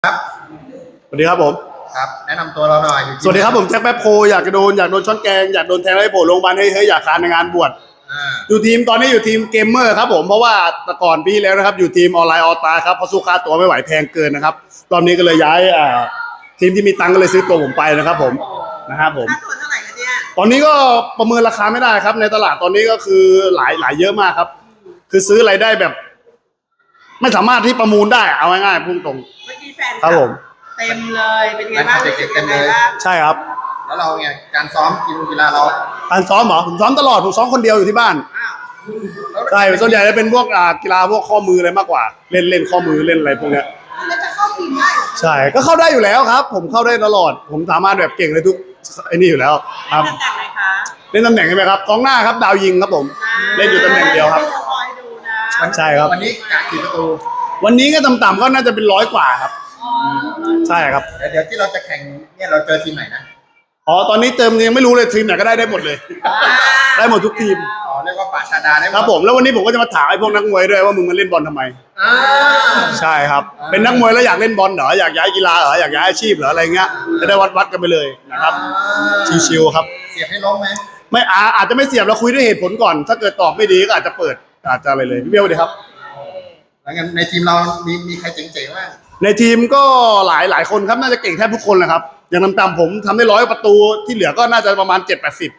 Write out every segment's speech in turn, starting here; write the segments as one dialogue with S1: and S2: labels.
S1: ครับ
S2: สวัสดีครับผม
S1: ครับแนะนำตัวเราหน่อย
S2: สวัสดีครับผมแจ็คแป๊บโพอยากโดนช้อนแกงอยากโดนแทงให้โผล่โรงพยาบาลเฮ้ยอยากคานในงานบวชอยู่ทีมตอนนี้อยู่ทีมเกมเมอร์ครับผมเพราะว่าแต่ก่อนปีแล้วนะครับอยู่ทีมออนไลน์ออตาครับเพราะสู้ค่าตัวไม่ไหวแพงเกินนะครับรอบนี้ก็เลยย้ายทีมที่มีตังค์ก็เลยซื้อตัวผมไปนะครับผมนะครับผม
S3: ค่าตัวเท่าไหร่คะเนี่ย
S2: ตอนนี้ก็ประเมินราคาไม่ได้ครับในตลาดตอนนี้ก็คือหลายเยอะมากครับคือซื้ออะไรได้แบบ ไม่สามารถที่ประมูลได้เอาง่ายๆพุ่งตรง
S3: เมื่อกี้แฟน
S2: ครับผม
S3: เต็มเลยเป็นไงบ้าง
S1: เด็กๆเต็มเลย
S2: ใช่ครับ
S1: แล้วเราไงการซ้อมกีฬาเรา
S2: การซ้อมเหรอผมซ้อมตลอดผมซ้อมคนเดียวอยู่ที่บ้าน
S3: อ้าว
S2: ใช่ส่วนใหญ่จะเป็นพวกกีฬาพวกข้อมืออะไรมากกว่าเล่นข้อมือเล่นอะไรพวกเนี้ย
S3: แล้วจะเข้าทีมได้เหรอ
S2: ใช่ก็เข้าได้อยู่แล้วครับ ผมเข้าได้ตลอด ผมสามารถแบบเก่งเลยทุกไอ้นี่อยู่แล้วครับ
S3: ตำแหน่งไหนคะ
S2: เล่นตำแหน่งใช่ไหมครับกองหน้าครับดาวยิงครับผมเล่นอยู่ตำแหน่งเดียวครับ
S3: คอยดูนะ
S2: ใช่ครับ
S1: วันนี้กะกี่ประตู
S2: วันนี้ก็ต่ำๆก็น่าจะเป็น100 กว่าครับ ใช่ครับ
S1: เดี๋ยวที่เราจะแข่งเนี่ยเราเจอทีมไหนนะ
S2: อ๋อตอนนี้เติมยังไม่รู้เลยทีมไหนก็ได้หมดเลย ได้หมดทุกทีม
S1: อ๋อเรียกว่าป่าชาดาได้หมด
S2: ครับผมแล้ววันนี้ผมก็จะมาถามไอ้พวกนักมวยด้วยว่ามึงมาเล่นบอลทำไม
S1: อ่า
S2: ใช่ครับเป็นนักมวยแล้วอยากเล่นบอลเหรออยากย้ายกีฬาเหรออยากย้ายอาชีพเหรออะไรเงี้ยจะได้วัดกันไปเลยนะครับชิวๆครับ
S1: เสียบให้ล้มไหม
S2: ไม่อาจจะไม่เสียบเราคุยด้วยเหตุผลก่อน ถ้าเกิดตอบไม่ดีก็อาจจะเปิดอาจจะอะไรเลยพี่เบลดีครับ
S1: แล้วงั้นในทีมเรามีใครเจ๋งๆบ้าง
S2: ในทีมก็หลายคนครับน่าจะเก่งแทบทุกคนแหละครับอย่างต่ำๆผมทำได้100 ประตูที่เหลือก็น่าจะประมาณ7-80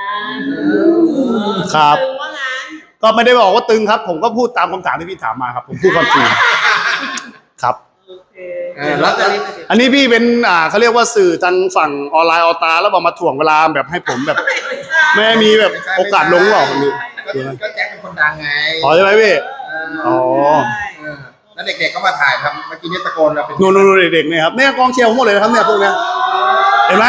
S2: ครับ
S3: ตึงว่างั้น
S2: ก็ไม่ได้บอกว่าตึงครับ ผมก็พูดตามคำถามที่พี่ถามมาครับ ผมพูดความจริงครับ
S3: โอเค
S1: แล้ว
S2: อันนี้พี่เป็นเขาเรียกว่าสื่อทางฝั่งออนไลน์ออตาแล้วบอกมาถ่วงเวลาแบบให้ผมแบบไม่ให้มีแบบโอกาสลงหรอกนี่
S1: ก็แจ็คเป็นคนดังไง
S2: ขอใช่ไหมพี่ อ๋อ
S1: แล้วเด็กๆก็มาถ่ายทำเมื่อกี้นี่ตะโกนเราเป็น
S2: นู่นเด็กๆเนี่ยครับเนี่ยกองเชียร์ผมหมดเลยนะครับเนี่ยพวกเนี้ยเห็นไหม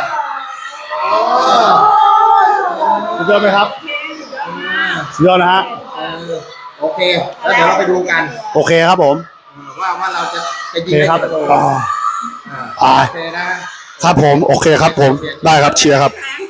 S2: สุดยอดไหมครับสุดยอดนะฮะ
S1: โอเคแล้วเดี๋ยวเราไปดูกัน
S2: โอเคครับผม
S1: ว่าเราจะไป
S2: โอ
S1: ยิง
S2: เค
S1: ได้
S2: ครับ
S1: กี่ประตู
S2: อ่า
S1: โอเคนะครับ
S2: ผมโอเคครับผมได้ครับเชียร์ครับ
S3: แข็ง